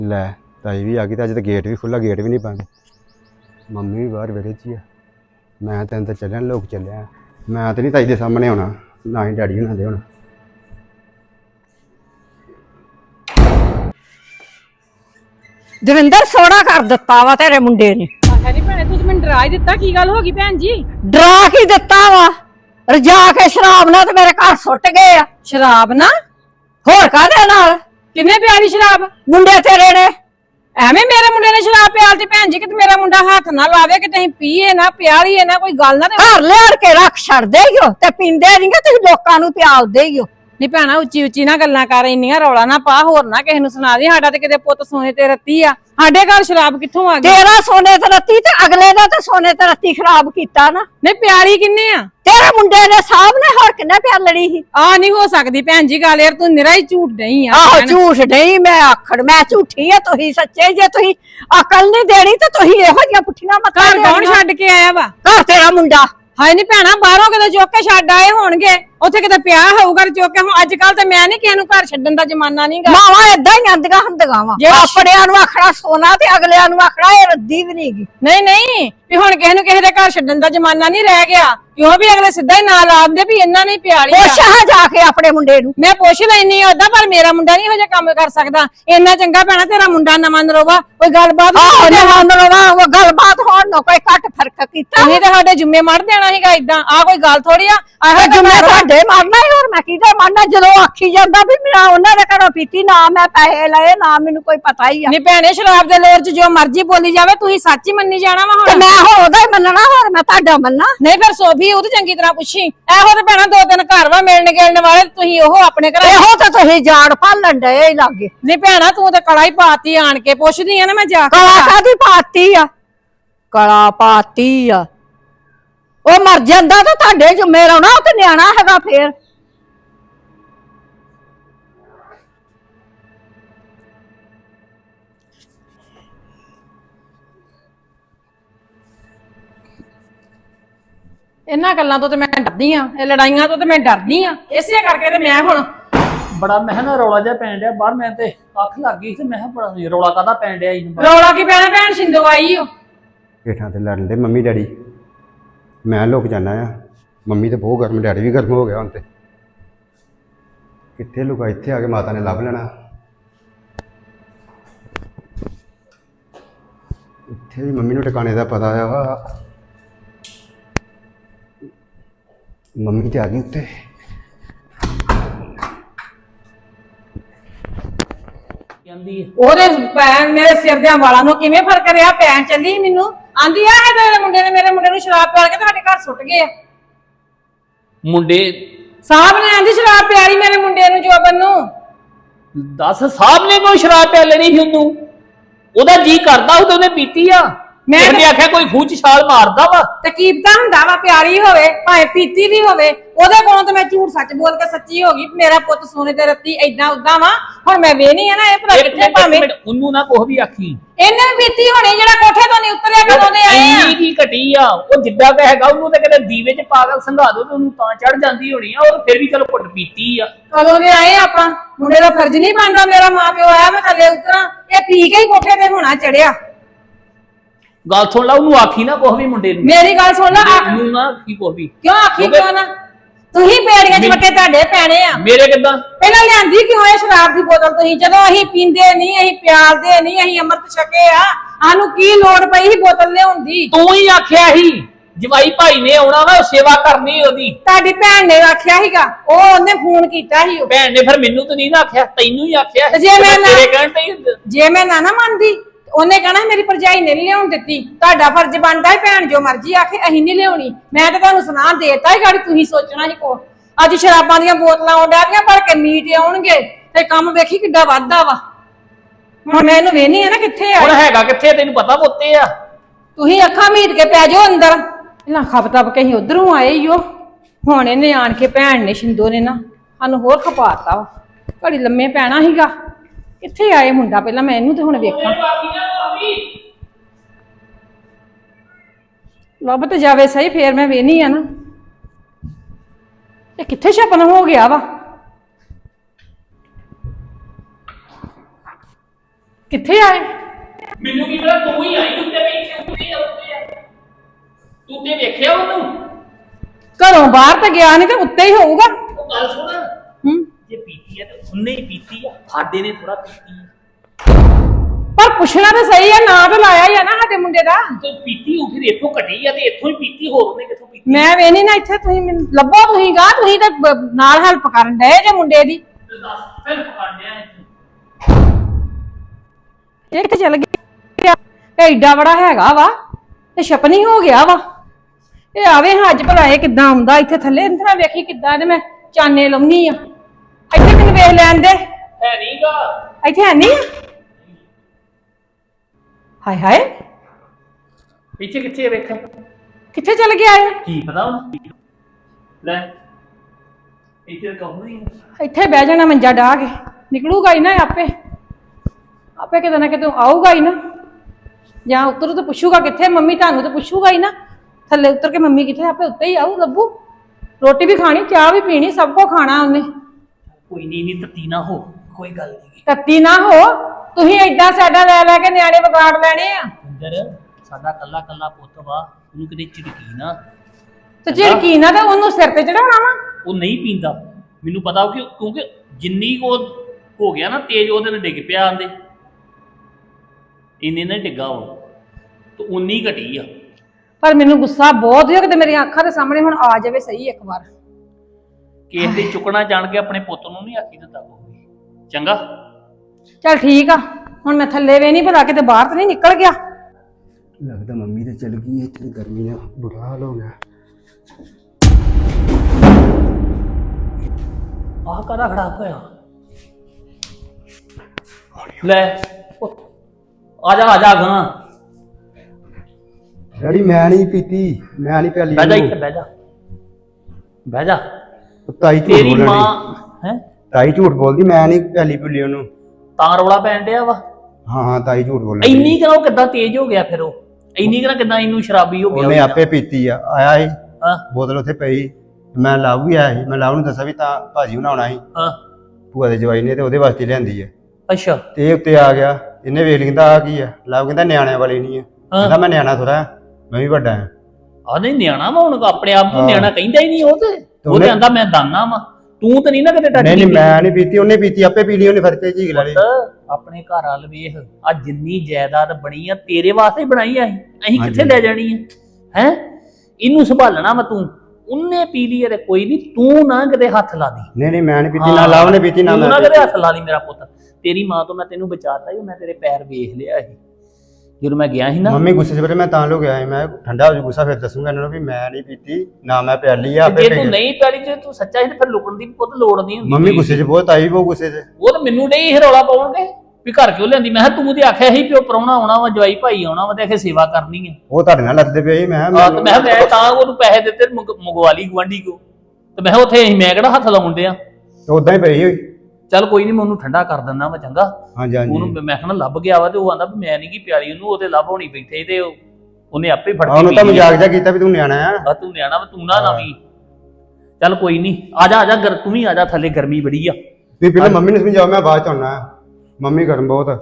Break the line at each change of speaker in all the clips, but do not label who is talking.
ਲੈ ਤਾਈ ਵੀ ਆ ਗਈ ਤੇ ਅੱਜ ਤਾਂ ਗੇਟ ਵੀ ਖੁੱਲਾ, ਗੇਟ ਵੀ ਨਹੀਂ ਬੰਦ। ਮੰਮੀ ਵੀ ਬਾਹਰ ਵਿਹੜੇ 'ਚ ਹੀ ਆ। ਮੈਂ ਤਾਂ ਅੰਦਰ ਚੱਲਿਆ, ਲੋਕ ਚੱਲਿਆ। ਮੈਂ ਤਾਂ ਨਹੀਂ ਤਾਈ ਦੇ ਸਾਹਮਣੇ ਆਉਣਾ, ਨਾ ਹੀ ਡੈਡੀ ਹੁਣਾਂ ਦੇ ਹੋਣਾ।
ਦਵਿੰਦਰ ਸੋਹਣਾ ਕਰ ਦਿੱਤਾ ਵਾ ਤੇਰੇ ਮੁੰਡੇ ਨੇ।
ਆਹ ਨਹੀਂ ਭੈਣੇ, ਤੂੰ ਤਾਂ ਮੈਨੂੰ ਡਰਾ ਹੀ ਦਿੱਤਾ। ਕੀ ਗੱਲ ਹੋ ਗਈ ਭੈਣ ਜੀ?
ਡਰਾ ਕੀ ਦਿੱਤਾ ਵਾ? ਰਜਾ ਕੇ ਸ਼ਰਾਬ ਨਾਲ ਤੇ ਮੇਰੇ ਘਰ ਸੁੱਟ ਗਏ ਆ।
ਸ਼ਰਾਬ ਨਾ?
ਹੋਰ ਕਾਹਦੇ ਨਾਲ?
ਕਿੰਨੇ ਪਿਆਰੀ ਸ਼ਰਾਬ?
ਮੁੰਡੇ ਤੇਰੇ ਨੇ।
ਐਵੇਂ ਮੇਰੇ ਮੁੰਡੇ ਨੇ ਸ਼ਰਾਬ ਪਿਆਲਤੀ ਭੈਣ ਜੀ? ਕਿ ਮੇਰਾ ਮੁੰਡਾ ਹੱਥ ਨਾ ਲਾਵੇ, ਕਿ ਤੁਸੀਂ ਪੀਏ ਨਾ ਪਿਆਲੀਏ ਨਾ, ਕੋਈ ਗੱਲ ਨਾ।
ਘਰ ਲਿਆੜ ਕੇ ਰੱਖ ਛੱਡਦੇ ਹੀ ਹੋ ਤੇ ਪੀਂਦੇ ਨਹੀਂ ਤੁਸੀਂ ਲੋਕਾਂ ਨੂੰ ਪਿਆਲਦੇ ਹੀ ਹੋ।
ਨਹੀਂ ਭੈਣਾ, ਉੱਚੀ ਉੱਚੀ ਨਾ ਗੱਲਾਂ ਕਰ, ਇੰਨੀਆਂ ਰੌਲਾ ਨਾ ਪਾ, ਹੋਰ ਨਾ ਕਿਸੇ ਨੂੰ ਸੁਣਾ ਦੇ। ਸਾਡਾ ਤੇ ਕਿਤੇ ਪੁੱਤ ਸੋਨੇ ਤੇ ਰੱਤੀ ਆ, ਸਾਡੇ ਘਰ ਸ਼ਰਾਬ ਕਿੱਥੋਂ ਆ ਗਈ?
ਤੇਰਾ ਸੋਨੇ ਤੇ ਰੱਤੀ ਤੇ ਅਗਲੇ ਦਾ ਤੇ ਸੋਨੇ ਤੇ ਰੱਤੀ ਖਰਾਬ ਕੀਤਾ ਨਾ।
ਨਹੀਂ ਪਿਆਰੀ ਕਿੰਨੇ ਆ?
ਤੇਰੇ ਮੁੰਡੇ ਨੇ ਸਾਹਿਬ ਨੇ ਹੋਰ ਕਿੰਨੇ ਪਿਆਲਣੀ ਸੀ?
ਆ ਨਹੀਂ ਹੋ ਸਕਦੀ ਭੈਣ ਜੀ ਗੱਲ, ਯਾਰ ਤੂੰ ਨਿਰਾ ਹੀ ਝੂਠ ਨਹੀਂ ਆ।
ਆਹੋ ਝੂਠ ਨਹੀਂ, ਮੈਂ ਆਖੜ ਮੈਂ ਝੂਠੀ ਆ, ਤੁਸੀਂ ਸੱਚੇ। ਜੇ ਤੁਸੀਂ ਅਕਲ ਨਹੀਂ ਦੇਣੀ ਤਾਂ ਤੁਸੀਂ ਇਹੋ ਜਿਹੀਆਂ ਪੁੱਠੀਆਂ ਮੱਤਾਂ
ਘਰ ਕੌਣ ਛੱਡ ਕੇ ਆਇਆ ਵਾ?
ਘਰ ਤੇਰਾ ਮੁੰਡਾ।
ਹਾਏ ਨਹੀਂ ਭੈਣਾ, ਬਾਹਰੋਂ ਕਿਤੇ ਚੁੱਕ ਕੇ ਛੱਡ ਆਏ ਹੋਣਗੇ, ਉੱਥੇ ਕਿਤੇ ਪਿਆ ਹੋਊਗਾ ਚੁੱਕ ਕੇ। ਹੁਣ ਅੱਜ ਕੱਲ ਤੇ ਮੈਂ ਨਹੀਂ ਕਿਸੇ ਨੂੰ ਘਰ ਛੱਡਣ ਦਾ ਜ਼ਮਾਨਾ ਨਹੀਂਗਾ।
ਮਾਵਾਂ ਏਦਾਂ ਹੀ ਆਂਦੀਆਂ ਹੁੰਦੀਆਂ ਵਾ, ਆਪਣਿਆਂ ਨੂੰ ਆਖਣਾ ਸੋਨਾ ਤੇ ਅਗਲਿਆਂ ਨੂੰ ਆਖਣਾ ਇਹ ਰੱਦੀ ਵੀ ਨਹੀਂਗੀ।
ਨਹੀਂ ਨਹੀਂ, ਵੀ ਹੁਣ ਕਿਸੇ ਨੂੰ ਕਿਸੇ ਦੇ ਘਰ ਛੱਡਣ ਦਾ ਜ਼ਮਾਨਾ ਨਹੀਂ ਰਹਿ ਗਿਆ। ਕਿਉਂ ਵੀ ਅਗਲੇ ਸਿੱਧਾ ਹੀ ਨਾਲ ਆਉਂਦੇ ਵੀ ਇਹਨਾਂ ਨੇ ਪਿਆਲੀ ਆ।
ਪੁੱਛ ਜਾ ਕੇ ਆਪਣੇ ਮੁੰਡੇ ਨੂੰ।
ਮੈਂ ਪੁੱਛ ਲੈਣੀ ਓਦਾਂ, ਪਰ ਮੇਰਾ ਮੁੰਡਾ ਨਹੀਂ ਇਹੋ ਜਿਹਾ ਕੰਮ ਕਰ ਸਕਦਾ। ਇੰਨਾ ਚੰਗਾ ਭੈਣਾ ਤੇਰਾ ਮੁੰਡਾ ਨਵਾਂ ਨਰੋਵਾ, ਕੋਈ ਗੱਲਬਾਤ
ਉਹ ਗੱਲਬਾਤ ਹੋਣ ਨੂੰ ਕੋਈ ਘੱਟ ਫਰਕ ਕੀਤਾ।
ਤੁਸੀਂ ਤੇ ਸਾਡੇ ਜੁੰਮੇ ਮੜ ਦੇਣਾ ਸੀਗਾ ਇਦਾਂ। ਆ ਕੋਈ ਗੱਲ ਥੋੜੀ ਆ। ਆਹ
ਜੁੰਮੇ ਤੁਹਾਡੇ ਮਾਰਨਾ ਹੀ, ਹੋਰ ਮੈਂ ਕਿਹਦੇ ਮਾਰਨਾ? ਜਦੋਂ ਆਖੀ ਜਾਂਦਾ ਵੀ ਮੇਰਾ ਉਹਨਾਂ ਦੇ ਘਰੋਂ ਪੀਤੀ ਨਾ, ਮੈਂ ਪੈਸੇ ਲਏ ਨਾ, ਮੈਨੂੰ ਕੋਈ ਪਤਾ ਹੀ ਆ।
ਨਹੀਂ ਭੈਣੇ, ਸ਼ਰਾਬ ਦੇ ਲੋਰ ਚ ਜੋ ਮਰਜ਼ੀ ਬੋਲੀ ਜਾਵੇ, ਤੁਸੀਂ ਸੱਚ ਹੀ ਮੰਨੀ ਜਾਣਾ ਵਾ
ਤੇ
ਹੁਣ।
ਮੈਂ ਹੁਣ ਉਹਦਾ ਹੀ ਮੰਨਣਾ, ਹੋਰ ਮੈਂ ਤੁਹਾਡਾ ਮੰਨਣਾ?
ਨਹੀਂ ਫਿਰ ਸੋਫੀ ਉਹ ਤੇ ਚੰਗੀ ਤਰ੍ਹਾਂ ਪੁੱਛੀ। ਇਹੋ ਤੇ ਭੈਣਾ ਦੋ ਤਿੰਨ ਘਰ ਵਾ ਮਿਲਣ ਗਿਲਣ ਵਾਲੇ, ਤੁਸੀਂ ਉਹ ਆਪਣੇ ਘਰ।
ਇਹੋ ਤਾਂ ਤੁਸੀਂ ਜਾੜ ਭਾਲਣ ਡਏ ਹੀ ਲਾਗੇ।
ਨਹੀਂ ਭੈਣਾ, ਤੂੰ ਤੇ ਕਲਾ ਹੀ ਪਾਤੀ ਆਣ ਕੇ। ਪੁੱਛਦੀ ਆ ਨਾ ਮੈਂ ਜਾ ਕੇ।
ਕਲਾ ਕਾਦੀ ਪਾਤੀ ਆ? ਕਲਾ ਪਾਤੀ ਆ। ਉਹ ਮਰ ਜਾਂਦਾ ਤਾਂ ਤੁਹਾਡੇ ਜੁੰਮੇ ਰਹਿਣਾ, ਉਹ ਤੇ ਨਿਆਣਾ ਹੈਗਾ ਫੇਰ।
ਇਹਨਾਂ ਗੱਲਾਂ ਤੋਂ ਤੇ ਮੈਂ ਡਰਦੀ ਆ, ਇਹ ਲੜਾਈਆਂ ਤੋਂ ਤੇ ਮੈਂ ਡਰਦੀ ਆ। ਇਸੇ ਕਰਕੇ ਤੇ ਮੈਂ ਹੁਣ
ਬੜਾ ਮੈਂ ਨਾ ਰੌਲਾ ਜਿਹਾ ਪੈਣ ਡਿਆ ਬਾਹਰ। ਮੈਂ ਤੇ ਅੱਖ ਲੱਗ ਗਈ ਤੇ ਮੈਂ ਕਿਹਾ ਬੜਾ ਰੌਲਾ ਕਾਹਦਾ ਪੈਣ ਡਿਆ ਇਹਨੂੰ।
ਰੌਲਾ ਕੀ ਪੈਣਾ? ਭੈਣ ਸਿੰਧੂ ਆਈ ਓ।
ਹੇਠਾਂ ਤੇ ਲੜਨ ਦੇ ਮੰਮੀ ਡੈਡੀ। ਮੈਂ ਲੁਕ ਜਾਣਾ ਆ। ਮੰਮੀ ਤੇ ਬਹੁਤ ਗਰਮ, ਡੈਡੀ ਵੀ ਗਰਮ ਹੋ ਗਿਆ ਹੁਣ ਤੇ। ਕਿੱਥੇ ਲੁਕਾ? ਇੱਥੇ ਆ ਕੇ ਮਾਤਾ ਨੇ ਲੱਭ ਲੈਣਾ। ਇੱਥੇ ਵੀ ਮੰਮੀ ਨੂੰ ਟਿਕਾਣੇ ਦਾ ਪਤਾ ਆ। ਮੰਮੀ ਤੇ ਆ ਗਈ ਉੱਤੇ।
ਕਹਿੰਦੀ
ਉਹਦੇ ਪੈਣ ਮੇਰੇ ਸਿਰ ਦੇ ਵਾਲਾਂ ਨੂੰ ਕਿਵੇਂ ਫਰਕ ਰਿਹਾ? ਪੈਣ ਚੱਲੀ ਮੈਨੂੰ ਆਂਦੀ ਆ ਇਹ ਤੇਰੇ ਮੁੰਡੇ ਨੇ ਮੇਰੇ ਮੁੰਡੇ ਨੂੰ ਸ਼ਰਾਬ ਪਿਆ ਕੇ ਤੁਹਾਡੇ ਘਰ ਸੁੱਟ ਗਏ ਆ।
ਮੁੰਡੇ
ਸਾਹਿਬ ਨੇ ਆਂਦੀ ਸ਼ਰਾਬ ਪਿਆਰੀ ਮੇਰੇ ਮੁੰਡੇ ਨੂੰ, ਜੋਬਨ ਨੂੰ।
ਦੱਸ, ਸਾਹਿਬ ਨੇ ਕੋਈ ਸ਼ਰਾਬ ਪਿਆ ਲੈਣੀ ਸੀ ਉਹਨੂੰ? ਉਹਦਾ ਜੀ ਕਰਦਾ ਉਹ ਤੇ ਉਹਨੇ ਪੀਤੀ ਆ।
ਮੈਂ
ਮੈਂ ਆਖਿਆ ਕੋਈ ਖੂਹ ਚ ਛਾਲ ਮਾਰਦਾ ਵਾ।
ਤੇ ਕੀਪਤਾ ਹੁੰਦਾ ਵਾ, ਪਿਆਰੀ ਹੋਵੇ ਭਾਵੇਂ ਪੀਤੀ ਵੀ ਹੋਵੇ। ਉਹਦੇ ਕੋਲੋਂ ਤੇ ਮੈਂ ਝੂਠ ਸੱਚ ਬੋਲ ਕੇ ਸੱਚੀ ਹੋ ਗਈ। ਮੇਰਾ ਪੁੱਤ ਸੋਨੇ ਤੇ ਰੱਤੀ ਏਦਾਂ ਉਦਾਂ ਵਾ। ਹੁਣ ਮੈਂ ਵੇਹਨੀ ਆ ਨਾ, ਇਹ ਭਰਾ ਕਿੱਥੇ ਭਾਵੇਂ
ਉਹਨੂੰ ਨਾ ਕੁਛ ਵੀ ਆਖੀ।
ਇਹਨੇ ਵੀ ਪੀਤੀ ਹੋਣੀ, ਜਿਹੜਾ ਕੋਠੇ ਤੋਂ ਨਹੀਂ ਉਤਰਿਆ ਕਦੋਂ ਦੇ ਆਏ ਆ।
ਇੰਨੀ ਕੀ ਘਟੀ ਆ ਉਹ, ਜਿੱਦਾਂ ਕਿ ਹੈਗਾ ਉਹਨੂੰ ਤੇ ਕਿਤੇ ਦੀਵੇ ਚ ਪਾਗਲ ਸੰਘਾ ਦੋ ਤੇ ਉਹਨੂੰ ਤਾਂ ਚੜ ਜਾਂਦੀ ਹੋਣੀ ਆ। ਉਹ ਫਿਰ ਵੀ ਚਲੋ ਘੁੱਟ ਪੀਤੀ ਆ।
ਕਦੋਂ ਦੇ ਆਏ ਆਪਾਂ? ਮੁੰਡੇ ਦਾ ਫਰਜ਼ ਨਹੀਂ ਬਣਦਾ ਮੇਰਾ ਮਾਂ ਪਿਓ ਆਇਆ ਮੈਂ ਥੱਲੇ ਉਤਰਾਂ, ਇਹ ਪੀ ਕੇ ਹੀ ਕੋਠੇ ਤੇ ਹੋਣਾ ਚੜਿਆ।
ਗੱਲ ਸੁਣ ਲਾ, ਉਹਨੂੰ ਆਖੀ ਨਾ ਕੁਛ ਵੀ ਮੁੰਡੇ ਨੂੰ।
ਮੇਰੀ ਗੱਲ ਸੁਣ ਲੈ,
ਉਹਨੂੰ ਨਾ ਆਖੀ ਕੁਛ ਵੀ।
ਕਿਉਂ ਆਖੀ ਕਿਉਂ ਨਾ? ਤੁਸੀਂ ਬੇੜੀਆਂ ਚ ਵੱਟੇ ਤੁਹਾਡੇ ਪੈਣੇ ਆ।
ਮੇਰੇ ਕਿੱਦਾਂ?
ਪਹਿਲਾਂ ਲਿਆਂਦੀ ਕਿਉਂ ਇਹ ਸ਼ਰਾਬ ਦੀ ਬੋਤਲ? ਤੁਸੀਂ ਜਦੋਂ ਅਸੀਂ ਪੀਂਦੇ ਨਹੀਂ, ਅਸੀਂ ਪਿਆਲਦੇ ਨਹੀਂ, ਅਸੀਂ ਅੰਮ੍ਰਿਤ ਛਕੇ ਆ, ਸਾਨੂੰ ਕੀ ਲੋੜ ਪਈ ਸੀ ਬੋਤਲ ਲਿਆਉਣ ਦੀ?
ਤੂੰ ਹੀ ਆਖਿਆ ਸੀ ਜਵਾਈ ਭਾਈ ਨੇ ਆਉਣਾ ਵਾ, ਸੇਵਾ ਕਰਨੀ ਉਹਦੀ।
ਤੁਹਾਡੀ ਭੈਣ ਨੇ ਆਖਿਆ ਸੀਗਾ, ਉਹਨੇ ਫੋਨ ਕੀਤਾ ਸੀ।
ਭੈਣ ਨੇ ਫਿਰ ਮੈਨੂੰ ਤਾਂ ਨਹੀਂ ਨਾ ਆਖਿਆ, ਤੈਨੂੰ ਹੀ ਆਖਿਆ।
ਜੇ ਮੈਂ ਨਾ
ਤੇਰੇ ਕਹਿਣ ਤੇ ਹੀ
ਜੇ ਮੈਂ ਨਾ ਮੰਨਦੀ, ਉਹਨੇ ਕਹਿਣਾ ਮੇਰੀ ਭਰਜਾਈ ਨੇ ਨੀ ਲਿਆਉਣ ਦਿੱਤੀ। ਤੁਹਾਡਾ ਫਰਜ਼ ਬਣਦਾ ਹੈ ਭੈਣ ਜੋ ਮਰਜ਼ੀ ਆਖੇ, ਅਸੀਂ ਨਹੀਂ ਲਿਆਉਣੀ। ਮੈਂ ਤਾਂ ਤੁਹਾਨੂੰ ਸੁਣਾ ਦੇਤਾ ਹੈ, ਗਾੜੀ ਤੁਸੀਂ ਸੋਚਣਾ ਸੀ ਕੋ। ਅੱਜ ਸ਼ਰਾਬਾਂ ਦੀਆਂ ਬੋਤਲਾਂ ਆਉਂਦਾ ਪਈਆਂ, ਭਰ ਕੇ ਮੀਟ ਆਉਣਗੇ ਤੇ ਕੰਮ ਵੇਖੀ ਕਿੱਡਾ ਵੱਧਦਾ ਵਾ। ਹੁਣ ਮੈਂ ਇਹਨੂੰ ਵੇਹਨੀ ਆ ਨਾ, ਕਿੱਥੇ ਆ?
ਹੁਣ ਹੈਗਾ ਕਿੱਥੇ? ਤੈਨੂੰ ਪਤਾ ਉੱਤੇ ਆ।
ਤੁਸੀਂ ਅੱਖਾਂ ਮੀਟ ਕੇ ਪੈ ਜਾਓ ਅੰਦਰ। ਪਹਿਲਾਂ ਖਪਤਪ ਕੇ ਅਸੀਂ ਉਧਰੋਂ ਆਏ ਹੀ। ਹੁਣ ਇਹਨੇ ਆਣ ਕੇ ਭੈਣ ਨੇ ਸ਼ਿੰਦੋ ਨੇ ਨਾ ਸਾਨੂੰ ਹੋਰ ਖਪਾਤਾ ਵਾ। ਘੜੀ ਲੰਮੇ ਪੈਣਾ ਸੀਗਾ। ਕਿੱਥੇ ਆਏ ਮੁੰਡਾ? ਪਹਿਲਾਂ ਮੈਂ ਇਹਨੂੰ ਤੇ ਹੁਣ ਵੇਖਾਂ। ਲੱਭ ਤੇ ਜਾਵੇ ਸਹੀ, ਫੇਰ ਮੈਂ ਵੇਹਨੀ ਆ ਨਾ ਇਹ ਕਿੱਥੇ ਛਪਨ ਹੋ ਗਿਆ ਵਾ। ਕਿੱਥੇ ਆਏ?
ਮੈਨੂੰ ਕੀ ਪਤਾ ਤੂੰ ਹੀ ਆਈ ਉੱਤੇ ਬੈਠੇ ਉੱਤੇ ਆ ਤੂੰ ਤੇ ਵੇਖਿਆ ਉਹਨੂੰ?
ਘਰੋਂ ਬਾਹਰ ਤਾਂ ਗਿਆ ਨਹੀਂ ਤੇ ਉੱਤੇ ਹੀ ਹੋਊਗਾ।
ਉਹ ਗੱਲ ਸੁਣ,
ਹੂੰ,
ਜੇ ਪੀਤੀ ਆ ਤੇ ਉਹਨੇ ਹੀ ਪੀਤੀ ਆ, ਸਾਡੇ ਨੇ ਥੋੜਾ ਪੀਤੀ ਆ।
ਪਰ ਪੁੱਛਣਾ ਤਾਂ ਸਹੀ ਆ, ਨਾਂ ਤਾਂ ਲਾਇਆ ਹੀ ਆ ਨਾ ਸਾਡੇ ਮੁੰਡੇ ਦਾ।
ਤੇ ਪੀਤੀ ਉਹ ਫਿਰ ਇੱਥੋਂ ਘਟੀ ਆ ਤੇ ਇੱਥੋਂ ਹੀ ਪੀਤੀ, ਹੋਰ ਉਹਨੇ ਕਿੱਥੋਂ ਪੀਤੀ?
ਮੈਂ ਵੇਖਣੀ ਨਾ ਇੱਥੇ, ਤੁਸੀਂ ਮੈਨੂੰ ਲੱਭੋ, ਤੁਸੀਂ ਤਾਂ ਨਾਲ ਹੈਲਪ ਕਰਨ ਡਏ ਜੇ ਮੁੰਡੇ ਦੀ।
ਤੇ ਦੱਸ ਫਿਰ ਪਕਾੜਿਆ ਇੱਥੇ।
ਇਹ ਕਿੱਥੇ ਚਲ ਗਿਆ? ਇਹ ਏਡਾ ਬੜਾ ਹੈਗਾ ਵਾ ਤੇ ਛਪਣੀ ਹੋ ਗਿਆ ਵਾ। ਇਹ ਆਵੇ ਹਾਂ ਅੱਜ ਭਲਾ ਇਹ ਕਿੱਦਾਂ ਆਉਂਦਾ ਇੱਥੇ ਥੱਲੇ? ਇੰਨਾ ਵੇਖੀ ਕਿੱਦਾਂ ਤੇ ਮੈਂ ਚਾਨੇ ਲਾਉਣੀ ਆ। ਇੱਥੇ ਮੈਨੂੰ ਵੇਖ ਲੈਣ ਦੇ।
ਹੈ ਨਹੀਂਗਾ
ਇੱਥੇ ਹੈ ਨਹੀਂ? ਹਾਏ ਹਾਏ,
ਪਿੱਛੇ ਕਿੱਥੇ ਵੇਖ?
ਕਿੱਥੇ ਚਲ ਗਿਆ ਇਹ?
ਕੀ ਪਤਾ ਉਹਨੂੰ? ਲੈ ਇੱਥੇ ਕਹੂੰ ਨਹੀਂ।
ਇੱਥੇ ਬਹਿ ਜਾਣਾ ਮੰਜਾ ਡਾਹ ਕੇ, ਨਿਕਲੂਗਾ ਹੀ ਨਾ ਆਪੇ ਕਿਤੇ ਨਾ ਕਿਤੇ ਆਊਗਾ ਹੀ ਨਾ। ਜਾਂ ਉੱਤਰ ਤੋਂ ਪੁੱਛੂਗਾ ਕਿੱਥੇ ਮੰਮੀ, ਤੁਹਾਨੂੰ ਤਾਂ ਪੁੱਛੂਗਾ ਹੀ ਨਾ। ਥੱਲੇ ਉਤਰ ਕੇ ਮੰਮੀ ਕਿੱਥੇ, ਆਪੇ ਉੱਤੇ ਹੀ ਆਊ ਲੱਭੂ। ਰੋਟੀ ਵੀ ਖਾਣੀ, ਚਾਹ ਵੀ ਪੀਣੀ, ਸਭ ਕੁਝ ਖਾਣਾ ਉਹਨੇ।
ਕੋਈ ਨਹੀਂ ਤੱਤੀ ਨਾ ਹੋ, ਕੋਈ ਗੱਲ ਨਹੀਂ।
ਤੱਤੀ ਨਾ ਹੋ, ਤੁਸੀਂ ਏਦਾਂ ਸਾਡਾ ਲੈ ਕੇ ਨਿਆਣੇ ਵਿਗਾੜ ਲੈਣੇ ਆ।
ਅੰਦਰ ਸਾਡਾ ਕੱਲਾ ਕੱਲਾ ਪੁੱਤ ਵਾ, ਉਹਨੂੰ ਕਿਤੇ ਝਿੜਕੀ ਨਾ।
ਤੇ ਝਿੜਕੀ ਨਾ ਤਾਂ ਉਹਨੂੰ ਸਿਰ ਤੇ ਚੜਾਉਣਾ ਵਾ।
ਉਹ ਨਹੀਂ ਪੀਂਦਾ, ਮੈਨੂੰ ਪਤਾ ਕਿ ਕਿਉਂਕਿ ਜਿੰਨੀ ਕੋ ਹੋ ਗਿਆ ਨਾ ਤੇਜ਼, ਉਹਦੇ ਨਾਲ ਡਿੱਗ ਪਿਆ ਆਂਦੇ ਇੰਨੇ ਨਾਲ ਡਿੱਗਾ ਉਹ, ਤੇ ਉਨੀ ਘਟੀ ਆ।
ਪਰ ਮੈਨੂੰ ਗੁੱਸਾ ਬਹੁਤ ਹੋਇਆ ਕਿ ਮੇਰੀਆਂ ਅੱਖਾਂ ਦੇ ਸਾਹਮਣੇ ਹੁਣ ਆ ਜਾਵੇ ਸਹੀ ਇੱਕ ਵਾਰ।
ਕਿਸੇ ਦੇ ਚੁੱਕਣਾ ਜਾਣ ਕੇ ਆਪਣੇ ਪੁੱਤ ਨੂੰ ਨਹੀਂ ਆਖੀ ਦਿੱਤਾ ਕੋਈ, ਚੰਗਾ?
ਚਲ ਠੀਕ ਆ, ਹੁਣ ਮੈਂ ਥੱਲੇ ਵੇ ਨਹੀਂ ਭਲਾ ਕਿਤੇ ਬਾਹਰ ਤਾਂ ਨਹੀਂ ਨਿਕਲ ਗਿਆ।
ਲੱਗਦਾ ਮੰਮੀ ਤੇ ਚਲ ਗਈ, ਇੱਥੇ ਗਰਮੀ ਨਾਲ ਬੁਰਾ ਹਾਲ ਹੋ ਗਿਆ।
ਆਹ ਕਾਹਦਾ ਖਰਾਬ ਹੋਇਆ? ਲੈ ਆ ਜਾ ਗਾਂ।
ਡੈਡੀ ਮੈਂ ਨਹੀਂ ਪੀਤੀ, ਮੈਂ ਨਹੀਂ ਪਿਆਲੀ।
ਬਹਿ ਜਾ ਇੱਥੇ, ਬਹਿ ਜਾ।
ਤਾਈ ਝੂਠ
ਤੇਰੀ
ਬੋਲਣੀ।
ਮਾਂ ਹੈ?
ਤਾਈ ਝੂਠ ਬੋਲਦੀ, ਮੈਂ ਨਹੀਂ ਪਿਆਲੀ ਪੁੱਲੀ ਉਹਨੂੰ।
ਤਾਂ ਰੌਲਾ ਪੈਣ ਡਿਆ ਵਾ।
ਹਾਂ ਤਾਈ ਝੂਠ ਬੋਲਣੀ।
ਇੰਨੀ ਕਿਉਂ ਕਿੱਦਾਂ ਤੇਜ਼ ਹੋ ਗਿਆ ਫਿਰ? ਉਹ ਇੰਨੀ ਕਿੱਦਾਂ ਇਹਨੂੰ ਸ਼ਰਾਬੀ ਹੋ ਗਿਆ?
ਉਹਨੇ ਆਪੇ ਪੀਤੀ ਆ। ਆਇਆ ਸੀ
ਹਾਂ
ਬੋਤਲ ਉੱਥੇ ਪਈ, ਮੈਂ ਲਾਭ ਵੀ ਆਇਆ ਸੀ। ਮੈਂ ਲਾਭ ਨੂੰ ਦੱਸਿਆ ਵੀ ਤਾਂ ਭਾਜੀ ਬਣਾਉਣਾ ਸੀ
ਹਾਂ।
ਭੂਆ ਦੇ ਜਵਾਈ ਨੇ, ਤੇ ਉਹਦੇ ਵਾਸਤੇ ਲਿਆਂਦੀ ਹੈ।
ਅੱਛਾ।
ਤੇ ਇਹ ਉੱਤੇ ਆ ਗਿਆ, ਇਹਨੇ ਵੇਖ ਲਿੰਦਾ ਆ ਕੀ ਆ। ਲਾਭ ਕਹਿੰਦਾ ਨਿਆਣਿਆਂ ਵਾਲੀ ਨਹੀਂ ਹੈ। ਕਹਿੰਦਾ ਮੈਂ ਨਿਆਣਾ ਥੋੜਾ, ਮੈਂ ਵੀ ਵੱਡਾ ਹਾਂ।
ਆ ਨਹੀਂ ਨਿਆਣਾ ਵਾ, ਹੁਣ ਆਪਣੇ ਆਪ ਨੂੰ ਨਿਆਣਾ ਕਹਿੰਦਾ ਹੀ ਨਹੀਂ ਉਹ ਤੇ। ਉਹ
ਉਹਨੇ-
ਤੇ ਆਂਦਾ ਮੈਂ ਦਾਨਾ ਵਾ। ਤੂੰ ਤਾਂ ਨਹੀਂ ਨਾ ਕਿਤੇ ਟੱਟ
ਨਹੀਂ ਮੈਂ ਨਹੀਂ ਪੀਤੀ, ਉਹਨੇ ਪੀਤੀ, ਆਪੇ ਪੀ ਲਈ ਉਹਨੇ, ਫੜ ਕੇ ਝੀਕ ਲਾ ਲਈ।
ਆਪਣੇ ਘਰ ਵਾਲ ਵੇਖ, ਆ ਜਿੰਨੀ ਜਾਇਦਾਦ ਬਣੀ ਆ ਤੇਰੇ ਵਾਸਤੇ ਹੀ ਬਣਾਈ ਆ। ਅਸੀਂ ਕਿੱਥੇ ਲੈ ਜਾਣੀ ਹੈ? ਇਹਨੂੰ ਸੰਭਾਲਣਾ ਵਾ ਤੂੰ। ਉਹਨੇ ਪੀ ਲਈ ਤੇ ਕੋਈ ਨਹੀਂ, ਤੂੰ ਨਾ ਕਿਤੇ ਹੱਥ ਲਾ ਦੀ।
ਨਹੀਂ ਮੈਂ ਨਹੀਂ ਪੀਤੀ, ਨਾ ਲਾਭ ਨੇ ਪੀਤੀ, ਨਾ
ਤੂੰ
ਮੈਂ
ਨਾ ਕਿਤੇ ਹੱਥ ਲਾ ਦੀ ਮੇਰਾ ਪੁੱਤ। ਤੇਰੀ ਮਾਂ ਤੋਂ ਮੈਂ ਤੈਨੂੰ ਬਚਾਤਾ ਹੀ, ਮੈਂ ਤੇਰੇ ਪੈਰ ਵੇਖ ਲਿਆ ਸੀ ਜਦੋਂ ਮੈਂ ਗਿਆ ਸੀ ਨਾ।
ਮੰਮੀ ਗੁੱਸੇ 'ਚ ਬੜੇ, ਮੈਂ ਤਾਂ ਲੋ ਗਿਆ ਸੀ। ਮੈਂ ਠੰਡਾ ਹੋ ਜਾ ਗੁੱਸਾ, ਫਿਰ ਦੱਸੂਗਾ ਇਹਨਾਂ ਨੂੰ ਵੀ ਮੈਂ ਨਹੀਂ ਪੀਤੀ, ਨਾ ਮੈਂ ਪਿਆਲੀ ਆ।
ਜੇ ਤੂੰ ਨਹੀਂ ਪਿਆਲੀ, ਜੇ ਤੂੰ ਸੱਚਾ ਸੀ ਤੇ ਫਿਰ ਲੁਕਣ ਦੀ ਪੁੱਤ ਲੋੜ ਨਹੀਂ ਹੁੰਦੀ।
ਮੰਮੀ ਗੁੱਸੇ 'ਚ ਬਹੁਤ, ਤਾਈ ਵੀ ਬਹੁਤ ਗੁੱਸੇ 'ਚ।
ਉਹ ਤਾਂ ਮੈਨੂੰ ਨਹੀਂ ਇਹ ਰੌਲਾ ਪਾਉਣਗੇ ਵੀ ਘਰ ਕਿਉਂ ਲਿਆਂਦੀ। ਮੈਂ ਕਿਹਾ ਤੂੰ ਤੇ ਆਖਿਆ ਸੀ ਪਿਓ ਪ੍ਰਾਹੁਣਾ ਆਉਣਾ ਵਾ, ਜਵਾਈ ਭਾਈ ਆਉਣਾ ਵਾ, ਤੇ ਆਖੇ ਸੇਵਾ ਕਰਨੀ ਹੈ।
ਉਹ ਤੁਹਾਡੇ ਨਾਲ ਲੱਦਦੇ ਪਏ ਸੀ। ਮੈਂ
ਮੈਂ ਤਾਂ ਉਹਨੂੰ ਪੈਸੇ ਦਿੱਤੇ, ਮੰਗਵਾਲੀ ਗੁਆਂਢੀ ਕੋ, ਤੇ ਮੈਂ ਉੱਥੇ ਮੈਂ ਕਿਹੜਾ ਹੱਥ ਲਾਉਣ ਡਿਆ।
ਉਦਾਂ ਹੀ ਪਈ ਹੋਈ।
ਚੱਲ ਕੋਈ ਨਹੀਂ, ਮੈਂ ਉਹਨੂੰ ਠੰਡਾ ਕਰ ਦਿੰਦਾ ਵਾ, ਚੰਗਾ?
ਹਾਂਜੀ ਹਾਂਜੀ।
ਉਹਨੂੰ ਮੈਂ ਕਹਿੰਦਾ ਲੱਭ ਗਿਆ ਵਾ, ਤੇ ਉਹ ਆਂਦਾ ਵੀ ਮੈਂ ਨਹੀਂ ਕੀ ਪਿਆਲੀ ਉਹਨੂੰ, ਉਹਦੇ ਲੱਭ ਹੋਣੀ ਬੈਠੇ, ਤੇ ਉਹਨੇ ਆਪੇ ਫੜ ਕੇ
ਉਹਨੂੰ ਤਾਂ ਮਜ਼ਾਕ ਜਿਹਾ ਕੀਤਾ ਵੀ ਤੂੰ ਨਿਆਣਾ ਆ।
ਤੂੰ ਨਿਆਣਾ ਵਾ, ਤੂੰ ਨਾ ਨਵੀਂ। ਚੱਲ ਕੋਈ ਨਹੀਂ, ਆ ਜਾ ਤੂੰ ਵੀ ਆ ਜਾ, ਥੱਲੇ ਗਰਮੀ ਬੜੀ ਆ।
ਤੁਸੀਂ ਪਹਿਲਾਂ ਮੰਮੀ ਨੂੰ ਸਮਝਾਓ, ਮੈਂ ਬਾਅਦ ਚ ਆਉਣਾ। ਮੰਮੀ ਗਰਮ ਬਹੁਤ।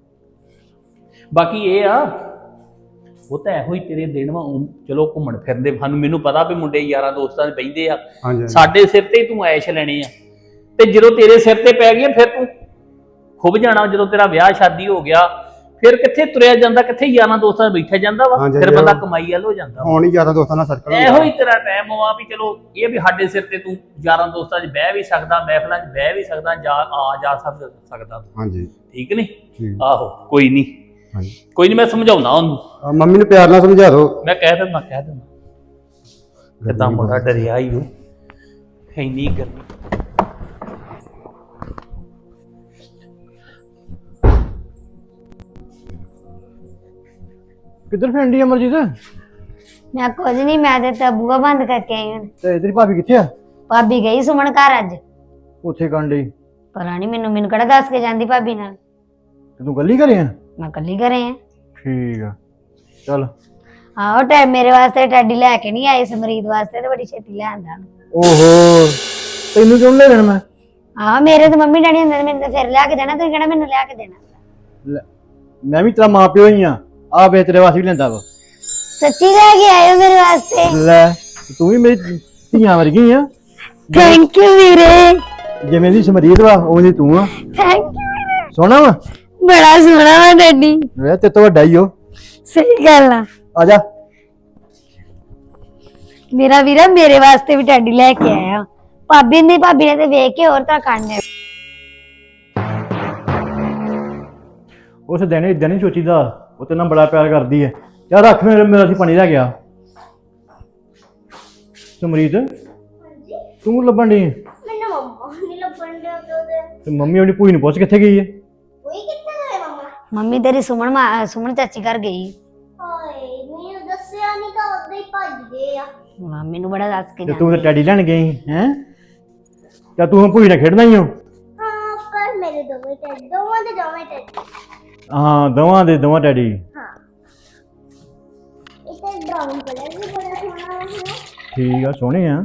ਬਾਕੀ ਇਹ ਆ, ਉਹ ਤਾਂ ਇਹੋ ਹੀ ਤੇਰੇ ਦਿਨ ਵਾ। ਚਲੋ ਘੁੰਮਣ ਫਿਰਦੇ ਸਾਨੂੰ, ਮੈਨੂੰ ਪਤਾ ਵੀ ਮੁੰਡੇ ਯਾਰਾਂ ਦੋਸਤਾਂ ਦੇ ਬਹਿੰਦੇ ਆ।
ਹਾਂਜੀ
ਸਾਡੇ ਸਿਰ ਤੇ ਤੂੰ ਐਸ਼ ਲੈਣੇ ਆ, ਤੇ ਜਦੋਂ ਤੇਰੇ ਸਿਰ ਤੇ ਪੈ ਗਈਆਂ ਫਿਰ ਤੂੰ ਖੁੱਬ ਜਾਣਾ। ਜਦੋਂ ਤੇਰਾ ਵਿਆਹ ਸ਼ਾਦੀ ਹੋ ਗਿਆ, ਫਿਰ ਕਿੱਥੇ ਤੁਰਿਆ ਜਾਂਦਾ, ਕਿੱਥੇ ਯਾਰਾਂ ਦੋਸਤਾਂ ਨਾਲ ਬੈਠਾ ਜਾਂਦਾ ਵਾ। ਫਿਰ ਬੰਦਾ ਕਮਾਈ ਵੱਲ ਹੋ ਜਾਂਦਾ।
ਹੁਣ ਹੀ ਯਾਰਾਂ ਦੋਸਤਾਂ ਨਾਲ ਸਰਕਲ
ਇਹੋ ਹੀ ਤੇਰਾ ਟਾਈਮ ਆ ਵੀ ਚਲੋ ਇਹ ਵੀ ਸਾਡੇ ਸਿਰ ਤੇ ਤੂੰ ਯਾਰਾਂ ਦੋਸਤਾਂ 'ਚ ਬਹਿ ਵੀ ਸਕਦਾ, ਮਹਿਫਲਾਂ 'ਚ ਬਹਿ ਵੀ ਸਕਦਾ, ਜਾ ਸਕਦਾ।
ਹਾਂਜੀ
ਠੀਕ ਨਹੀਂ? ਆਹੋ ਕੋਈ ਨਹੀਂ,
ਹਾਂਜੀ
ਕੋਈ ਨਹੀਂ, ਮੈਂ ਸਮਝਾਉਣਾ ਉਹਨੂੰ।
ਮੰਮੀ ਨੂੰ ਪਿਆਰ ਨਾਲ ਸਮਝਾ ਦਿਓ।
ਮੈਂ ਕਹਿ ਦਿੰਦਾ ਕਿੱਦਾਂ ਮੁੰਡਾ ਡਰਿਆ ਹੀ ਉਹ, ਇੰਨੀ ਗਰਮੀ।
ਕਿੱਧਰ ਫੈਂਡੀ ਅਮਰਜੀਤ?
ਮੈਂ ਕੁਝ ਨਹੀਂ, ਮੈਂ ਤੇ ਤਾਂ ਬੂਹਾ ਬੰਦ ਕਰਕੇ ਆਈ ਹਾਂ।
ਤੇ ਤੇਰੀ ਭਾਬੀ ਕਿੱਥੇ ਆ?
ਭਾਬੀ ਗਈ ਸੁਮਨ ਘਰ ਅੱਜ।
ਉੱਥੇ ਕਰਨ ਡਈ?
ਪਤਾ ਨਹੀਂ, ਮੈਨੂੰ ਕਿਹੜਾ ਦੱਸ ਕੇ ਜਾਂਦੀ ਭਾਬੀ ਨਾਲ।
ਤੇ ਤੂੰ ਗੱਲੀ ਘਰੇ ਆ?
ਮੈਂ ਕੱਲੀ ਘਰੇ ਆ।
ਠੀਕ ਆ, ਚੱਲ।
ਆਹੋ ਮੇਰੇ ਵਾਸਤੇ ਟੈਡੀ ਲੈ ਕੇ ਨਹੀਂ ਆਏ, ਸਮਰੀਤ ਵਾਸਤੇ ਤੇ ਬੜੀ ਛੇਤੀ ਲੈ ਆਂਦਾ।
ਓਹੋ, ਤੈਨੂੰ ਕਿਉਂ ਲੈ ਲੈਣਾ ਮੈਂ?
ਆਹ ਮੇਰੇ ਤੇ ਮੰਮੀ ਡੈਡੀ ਹੁੰਦੇ ਨੇ, ਮੈਨੂੰ ਤਾਂ ਫਿਰ ਲਿਆ ਕੇ ਦੇਣਾ। ਤੁਸੀਂ ਕਿਹੜਾ ਮੈਨੂੰ ਲਿਆ ਕੇ ਦੇਣਾ?
ਮੈਂ ਵੀ ਤੇਰਾ ਮਾਂ ਪਿਓ ਹੀ ਆ ਵੇ ਤੇਰੇ ਵਾਸਤੇ ਵੀ ਲੈਂਦਾ ਵਾ
ਸੱਚੀ ਲੈ ਕੇ ਆਏ ਹੋ ਮੇਰੇ ਵਾਸਤੇ?
ਲੈ ਤੂੰ ਵੀ ਮੇਰੀ ਧੀਆਂ ਵਰਗੀ ਆ
ਥੈਂਕ ਯੂ ਵੀਰੇ।
ਜਿਵੇਂ ਦੀ ਸਮਰੀਤ ਵਾ ਉਵੇਂ ਦੀ ਤੂੰ ਆ।
ਥੈਂਕ ਯੂ ਵੀਰੇ।
ਸੋਹਣਾ ਵਾ
ਬੜਾ ਸੋਹਣਾ ਵਾ ਡੈਡੀ।
ਵੇ ਤੇ ਤੋਂ ਵੱਡਾ ਹੀ ਉਹ।
ਸਹੀ ਗੱਲ ਆ।
ਆ ਜਾ
ਮੇਰਾ ਵੀਰਾ ਮੇਰੇ ਵਾਸਤੇ ਵੀ ਟੈਡੀ ਲੈ ਕੇ ਆਇਆ। ਭਾਬੀ ਨੇ ਤੇ ਵੇਖ ਕੇ ਹੋਰ ਤਾਂ ਕਾਂਡੇ।
ਉਸ ਦਿਨ ਇਦਾਂ ਨਹੀਂ ਸੋਚੀਦਾ, ਉਹ ਤੇ ਨਾ ਬੜਾ ਪਿਆਰ ਕਰਦੀ ਹੈ। ਯਾਰ ਰੱਖ ਮੇਰਾ ਸੀ ਪਾਣੀ ਲੈ ਗਿਆ। ਸਮਰੀਤ ਤੂੰ ਲੱਭਣ ਡਈ ਆਂ?
ਮੈਨੂੰ ਮੰਮਾ ਨਹੀਂ ਲੱਭਣ ਦੇ ਉਹਦੇ
ਤੇ ਮੰਮੀ ਆਪਣੀ ਭੂਈ ਨੂੰ ਪੁੱਛ ਕਿੱਥੇ ਗਈ ਹੈ?
ਕੋਈ ਕਿੱਥੇ ਗਏ ਮੰਮਾ?
ਮੰਮੀ ਤੇਰੀ ਸੁਮਨ ਚਾਚੀ ਘਰ ਗਈ।
ਹਾਏ ਮੈਨੂੰ ਦੱਸਿਆ ਨਹੀਂ ਤਾਂ ਉਦੋਂ ਹੀ ਭੱਜ ਗਏ ਆ।
ਮੰਮੀ ਨੂੰ ਬੜਾ ਦੱਸ ਕੇ
ਤੇ ਤੂੰ ਤਾਂ ਟੈਡੀ ਲੈਣ ਗਈ ਹੈ? ਤਾਂ ਤੂੰ ਹੁਣ ਭੂਈ ਨਾਲ ਖੇਡਣਾ ਹੀ ਹੋ?
ਹਾਂ ਪਰ ਮੇਰੇ ਦੋਵੇਂ ਟੈਡੀ
ਹਾਂ ਦੋਵਾਂ ਟੈਡੀ।
ਹਾਂ ਇਹ ਤੇ ਬ੍ਰਾਊਨ ਕਲਰ ਵੀ ਬੜਾ ਸੋਹਣਾ ਹੈ ਨਾ।
ਠੀਕ ਆ, ਸੋਹਣੇ ਆ।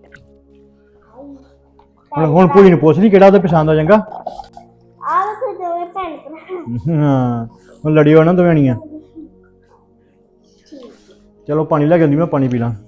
ਹੁਣ ਭੂਈ ਨੂੰ ਪੁੱਛ ਲਈ ਕਿਹੜਾ ਉਹਦਾ ਪਸੰਦ ਆ ਚੰਗਾ।
ਆ ਵੇਖੋ ਦੋਵੇਂ ਭੈਣ ਭਰਾ।
ਹਾਂ ਹੁਣ ਲੜਿਓ ਨਾ ਦੋਵੇਂ ਜਣੀਆਂ। ਚਲੋ ਪਾਣੀ ਲੈ ਕੇ ਆਉਂਦੀ, ਮੈਂ ਪਾਣੀ ਪੀ ਲਾਂ।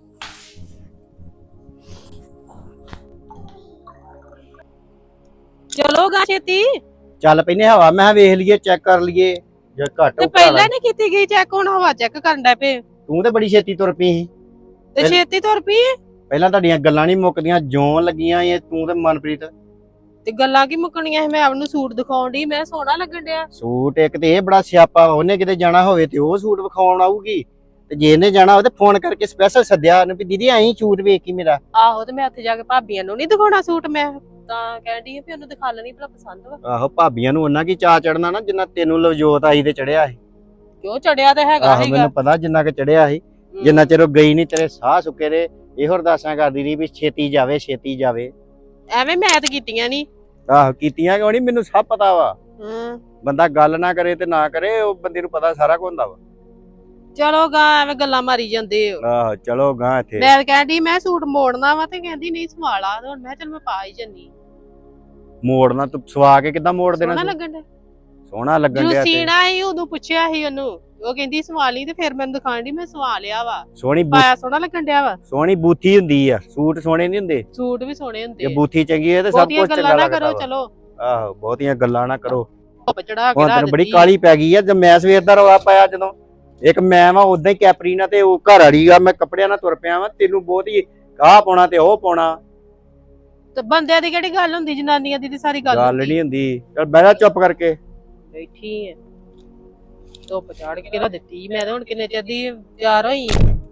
ਚਲੋ ਗਾ ਛੇਤੀ
ਚੱਲ ਪੈਨੇ ਹਵਾ, ਮੈਂ ਵੇਖ ਲਈਏ, ਚੈੱਕ ਕਰ ਲਈਏ ਜੇ ਘੱਟ
ਤੇ ਪਹਿਲਾਂ ਨਹੀਂ ਕੀਤੀ ਗਈ ਚੈੱਕ, ਹੁਣ ਹਵਾ ਚੈੱਕ ਕਰਨ ਦਾ ਪਏ
ਤੂੰ ਤੇ ਬੜੀ ਛੇਤੀ ਤੁਰ ਪਈ ਸੀ।
ਤੇ ਛੇਤੀ ਤੁਰ ਪਈ
ਪਹਿਲਾਂ ਤੁਹਾਡੀਆਂ ਗੱਲਾਂ ਨਹੀਂ ਮੁੱਕਦੀਆਂ, ਜੋਂ ਲੱਗੀਆਂ ਇਹ ਤੂੰ ਤੇ ਮਨਪ੍ਰੀਤ।
ਤੇ ਗੱਲਾਂ ਕੀ ਮੁੱਕਣੀਆਂ ਸੀ, ਮੈਂ ਆਪ ਨੂੰ ਸੂਟ ਦਿਖਾਉਣ ਦੀ, ਮੈਂ ਸੋਹਣਾ ਲੱਗਣ ਡਿਆ।
ਸੂਟ ਇੱਕ ਤੇ ਇਹ ਬੜਾ ਸਿਆਪਾ, ਉਹਨੇ ਕਿਤੇ ਜਾਣਾ ਹੋਵੇ ਤੇ ਉਹ ਸੂਟ ਵਿਖਾਉਣ ਆਊਗੀ, ਤੇ ਜੇ ਇਹਨੇ ਜਾਣਾ ਹੋਵੇ ਤੇ ਫੋਨ ਕਰਕੇ ਸਪੈਸ਼ਲ ਸੱਦਿਆ ਉਹਨੇ ਵੀ ਦੀਦੀ ਆਈ ਸੂਟ ਵੇਖ ਕੇ ਮੇਰਾ।
ਆਹੋ ਤੇ ਮੈਂ ਉੱਥੇ ਜਾ ਕੇ ਭਾਬੀਆਂ ਨੂੰ ਨਹੀਂ ਦਿਖਾਉਣਾ ਸੂਟ, ਮੈਂ ਤਾਂ ਕਹਿੰਦੀ ਆ ਵੀ ਉਹਨੂੰ ਦਿਖਾ ਲੈਣੀ ਭਲਾ ਪਸੰਦ ਵਾ।
ਆਹੋ ਭਾਬੀਆਂ ਨੂੰ ਉਹਨਾਂ ਕੀ ਚਾਅ ਚੜਨਾ ਨਾ ਜਿੰਨਾ ਤੈਨੂੰ ਲਵਜੋਤ ਆਈ ਤੇ ਚੜਿਆ ਸੀ।
ਕਿਉਂ ਚੜਿਆ ਤੇ ਹੈਗਾ
ਆਹੋ
ਸੀਗਾ।
ਮੈਨੂੰ ਪਤਾ ਜਿੰਨਾ ਕਿ ਚੜਿਆ ਸੀ, ਜਿੰਨਾ ਚਿਰ ਉਹ ਗਈ ਨਹੀਂ ਤੇਰੇ ਸਾਹ ਸੁੱਕੇ ਰਹੇ, ਇਹੋ ਅਰਦਾਸਾਂ ਕਰਦੀ ਰਹੀ ਵੀ ਛੇਤੀ ਜਾਵੇ ਛੇਤੀ ਜਾਵੇ।
ਐਵੇਂ ਮੈਂ ਤਾਂ ਕੀਤੀਆਂ ਨਹੀਂ।
ਆਹੋ ਕੀਤੀਆਂ ਕਿਉਂ ਨਹੀਂ, ਮੈਨੂੰ ਸਭ ਪਤਾ ਵਾ।
ਹੂੰ
ਬੰਦਾ ਗੱਲ ਨਾ ਕਰੇ ਤੇ ਨਾ ਕਰੇ, ਉਹ ਬੰਦੇ ਨੂੰ ਪਤਾ ਸਾਰਾ ਕੁਝ ਹੁੰਦਾ ਵਾ।
ਚਲੋ ਗਾ ਐਵੇਂ ਗੱਲਾਂ ਮਾਰੀ ਜਾਂਦੇ ਹੋ।
ਆਹੋ ਚਲੋ ਗਾਂ ਇੱਥੇ।
ਮੈਂ ਕਹਿੰਦੀ ਮੈਂ ਸੂਟ ਮੋੜਨਾ ਵਾ ਤੇ ਕਹਿੰਦੀ ਨਹੀਂ ਸਵਾਲਾ, ਹੁਣ ਮੈਂ ਚੱਲ ਮੈਂ ਪਾ ਹੀ ਜੰਨੀ।
ਮੋੜਨਾ ਤੂੰ ਸਵਾ ਕੇ ਕਿੱਦਾਂ ਮੋੜ ਦੇਣਾ
ਸੋਹਣਾ
ਤੂੰ?
ਲੱਗਣ ਡਿਆ।
ਸੋਹਣਾ ਲੱਗਣ
ਜਦੋਂ
ਡਿਆ ਤੇ
ਸੀਣਾ ਸੀ ਉਦੋਂ ਪੁੱਛਿਆ ਸੀ ਉਹਨੂੰ, ਉਹ ਕਹਿੰਦੀ ਸਵਾਲੀ, ਤੇ ਫਿਰ ਮੈਨੂੰ ਦਿਖਾਣ ਦੀ ਮੈਂ ਸਵਾ ਲਿਆ ਵਾ।
ਸੋਹਣੀ
ਪਾਇਆ ਸੋਹਣਾ ਲੱਗਣ ਡਿਆ ਵਾ।
ਸੋਹਣੀ ਬੂਥੀ ਹੁੰਦੀ ਆ, ਸੂਟ ਸੋਹਣੇ ਨਹੀਂ ਹੁੰਦੇ।
ਸੂਟ ਵੀ ਸੋਹਣੇ ਹੁੰਦੇ
ਜੇ ਬੂਥੀ ਚੰਗੀ ਹੈ ਤੇ ਸਭ
ਬਹੁਤੀਆਂ
ਕੁਝ ਚੰਗਾ
ਗੱਲਾਂ ਨਾ
ਲੱਗਦਾ
ਕਰੋ,
ਵਾ।
ਚਲੋ
ਆਹੋ ਬਹੁਤੀਆਂ ਗੱਲਾਂ ਨਾ ਕਰੋ।
ਧੁੱਪ ਚੜਾ ਕੇ
ਹੁਣ
ਰੱਖ
ਤੈਨੂੰ ਬੜੀ
ਦਿੱਤੀ।
ਕਾਲੀ ਪੈ ਗਈ ਆ, ਜਦ ਮੈਂ ਸਵੇਰ ਦਾ ਰੌਲਾ ਪਾਇਆ, ਜਦੋਂ ਇੱਕ ਮੈਂ ਵਾ ਉਦਾਂ ਹੀ ਕੈਪਰੀ ਨਾਲ ਤੇ ਉਹ ਘਰ ਵਾਲੀ ਆ, ਮੈਂ ਕੱਪੜਿਆਂ ਨਾਲ ਤੁਰ ਪਿਆ ਵਾ, ਤੈਨੂੰ ਬਹੁਤ ਹੀ ਆਹ ਪਾਉਣਾ ਤੇ ਉਹ ਪਾਉਣਾ।
ਤੇ ਬੰਦਿਆਂ ਦੀ ਕਿਹੜੀ ਗੱਲ ਹੁੰਦੀ, ਜਨਾਨੀਆਂ ਦੀ ਤੇ ਸਾਰੀ ਗੱਲ
ਗੱਲ
ਹੁੰਦੀ।
ਨਹੀਂ ਹੁੰਦੀ। ਚੱਲ ਬਹਿ ਜਾ ਚੁੱਪ ਕਰਕੇ।
ਬੈਠੀ ਐ ਧੁੱਪ ਚੜ ਕੇ ਕਿਹੜਾ ਦਿੱਤੀ, ਮੈਂ ਤਾਂ ਹੁਣ ਕਿੰਨੇ ਚਿਰ ਦੀ ਤਿਆਰ ਹੋਈ।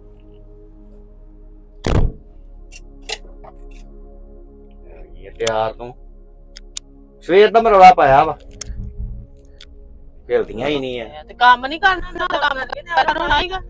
ਇਹ ਤਿਆਰ ਤੂੰ ਸਵੇਰ ਦਾ ਮੈਂ ਰੌਲਾ ਪਾਇਆ ਵਾ, ਖੇਲਦੀਆਂ ਹੀ ਨਹੀਂ ਐ।
ਤੇ ਕੰਮ ਨਹੀਂ ਕਰਨਾ, ਨਾ ਕੰਮ ਕਰਕੇ ਤਿਆਰ ਹੋਣਾ ਹੀਗਾ।